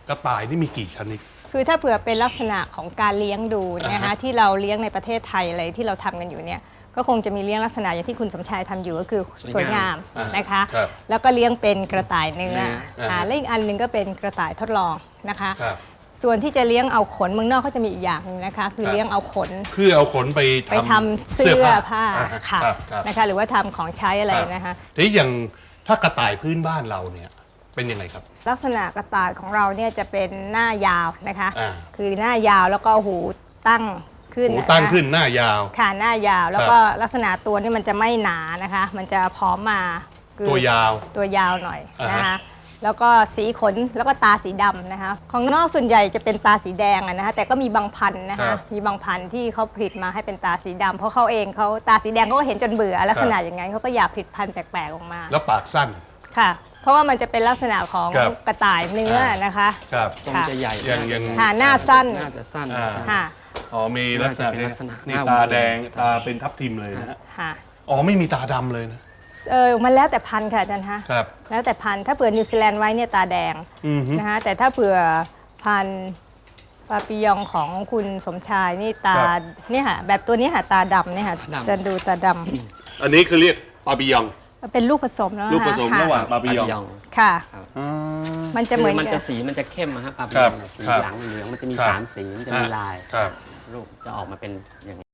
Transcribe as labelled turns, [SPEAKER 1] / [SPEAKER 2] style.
[SPEAKER 1] กระต่ายนี่มีกี่ชนิด
[SPEAKER 2] คือถ้าเผื่อเป็นลักษณะของการเลี้ยงดูนะคะที่เราเลี้ยงในประเทศไทยอะไรที่เราทำกันอยู่เนี่ยก็คงจะมีเลี้ยงลักษณะอย่างที่คุณสมชายทำอยู่ก็คือสวยงามนะคะแล้วก็เลี้ยงเป็นกระต่ายเนื้อและอีกอันหนึ่งก็เป็นกระต่ายทดลองนะคะส่วนที่จะเลี้ยงเอาขนเมืองนอกเขาจะมีอีกอย่างนึงนะคะคือเลี้ยงเอาขน
[SPEAKER 1] คือเอาขนไป
[SPEAKER 2] ทำเสื้อผ้าค่ะนะคะหรือว่าทำของใช้อะไรนะคะ
[SPEAKER 1] ทีนี้อย่างถ้ากระต่ายพื้นบ้านเราเนี่ยเป็นยังไงครับ
[SPEAKER 2] ลักษณะกระต่ายของเราเนี่ยจะเป็นหน้ายาวนะคะคือหน้ายาวแล้วก็หูตั้งขึ้น
[SPEAKER 1] หูตั้งขึ้นหน้ายาว
[SPEAKER 2] ค่ะหน้ายาวแล้วก็ลักษณะตัวนี่มันจะไม่หนานะคะมันจะพร้อมมา
[SPEAKER 1] ตัวย
[SPEAKER 2] าวหน่อยนะคะแล้วก็สีขนแล้วก็ตาสีดำนะคะของนอกส่วนใหญ่จะเป็นตาสีแดงนะคะแต่ก็มีบางพันธุ์นะคะมีบางพันธุ์ที่เขาผลิตมาให้เป็นตาสีดำเพราะเขาเองเขาตาสีแดงเขาก็เห็นจนเบื่อลักษณะอย่างนั้นเขาก็อยากผลิตพันธุ์แปลกๆออกมา
[SPEAKER 1] แล้วปากสั้น
[SPEAKER 2] ค่ะเพราะว่ามันจะเป็นลักษณะของกระต่ายเนื้อนะคะ
[SPEAKER 3] ทรงจะใหญ่
[SPEAKER 1] ยัง
[SPEAKER 2] หน้าสั้น
[SPEAKER 3] น่าจะสั้น
[SPEAKER 2] ค่ะ
[SPEAKER 1] อ๋อมีลักษณะนี่ตาแดงตาเป็นทับทิมเลยนะฮะอ๋อไม่มีตาดำเลยนะ
[SPEAKER 2] มันแล้วแต่พันธุ์ค่ะอาจารย์ฮะแล้วแต่พันธุ์ถ้าเผื่อนิวซีแลนด์ไว้เนี่ยตาแดงนะคะแต่ถ้าเผื่อพันธุ์ปาปิยองของคุณสมชายนี่ตาเนี่ยค่ะแบบตัวนี้ค่ะตาดำเนี่ยค่ะจะดูตาด
[SPEAKER 1] ำอันนี้คือเรียกปาปิยอง
[SPEAKER 2] เป็นลูกผสมแล้ว
[SPEAKER 1] ลูกผสมระหว่างปาปิยอง
[SPEAKER 2] ค่ะมันจะเหมือน
[SPEAKER 3] มันจะสีมันจะเข้มนะฮะปาปิยองสีหลังเหลืองมันจะมี3 สีมันจะมีลายลูกจะออกมาเป็นอย่างนี้